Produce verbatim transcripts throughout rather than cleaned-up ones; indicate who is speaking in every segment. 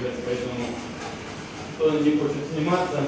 Speaker 1: поэтому кто не хочет сниматься.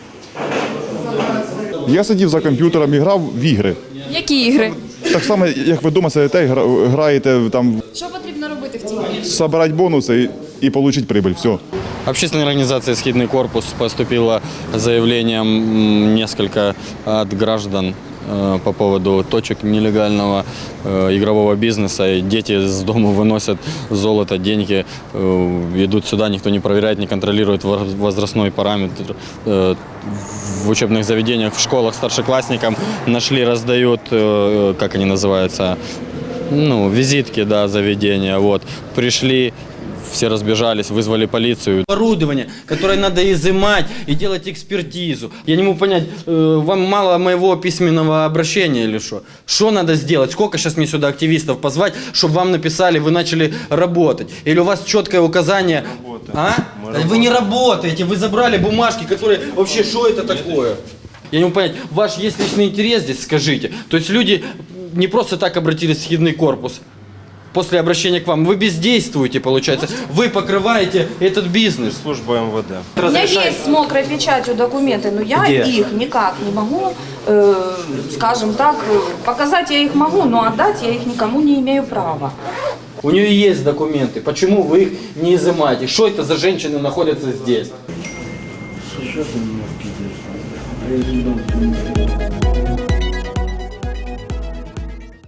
Speaker 2: Я сидів за комп'ютером і грав в ігри.
Speaker 3: Які ігри?
Speaker 2: Так само, як ви вдома сидите і гра- граєте, там,
Speaker 3: Що потрібно робити в цій ігрі?
Speaker 2: збирати бонуси і, і отримати прибыль. Все.
Speaker 4: Общественная организация «Схидный корпус» поступило заявлением м, несколько от граждан э, по поводу точек нелегального э, игрового бизнеса. И дети с дома выносят золото, деньги, э, идут сюда, никто не проверяет, не контролирует вор- возрастной параметр. Э, в учебных заведениях, в школах старшеклассникам нашли, раздают, э, как они называются, ну, визитки, да, заведения. Вот. Пришли, все разбежались, вызвали полицию.
Speaker 5: Оборудование, которое надо изымать и делать экспертизу. Я не могу понять, э, вам мало моего письменного обращения или что? Что надо сделать? Сколько сейчас мне сюда активистов позвать, чтобы вам написали, вы начали работать? Или у вас четкое указание? А? Вы не работаете, вы забрали бумажки, которые... Вообще, что это такое? Я не могу понять, ваш есть личный интерес здесь, скажите. То есть люди не просто так обратились в Схидный корпус. После обращения к вам вы бездействуете, получается. Вы покрываете этот бизнес.
Speaker 6: Служба эм вэ дэ.
Speaker 3: У меня есть с мокрой печатью документы, но я
Speaker 5: Где?
Speaker 3: их никак не могу, э, скажем так, э, показать я их могу, но отдать я их никому не имею права.
Speaker 5: У нее есть документы. Почему вы их не изымаете? Что это за женщины находятся здесь?
Speaker 1: Что ты меня пиздишь?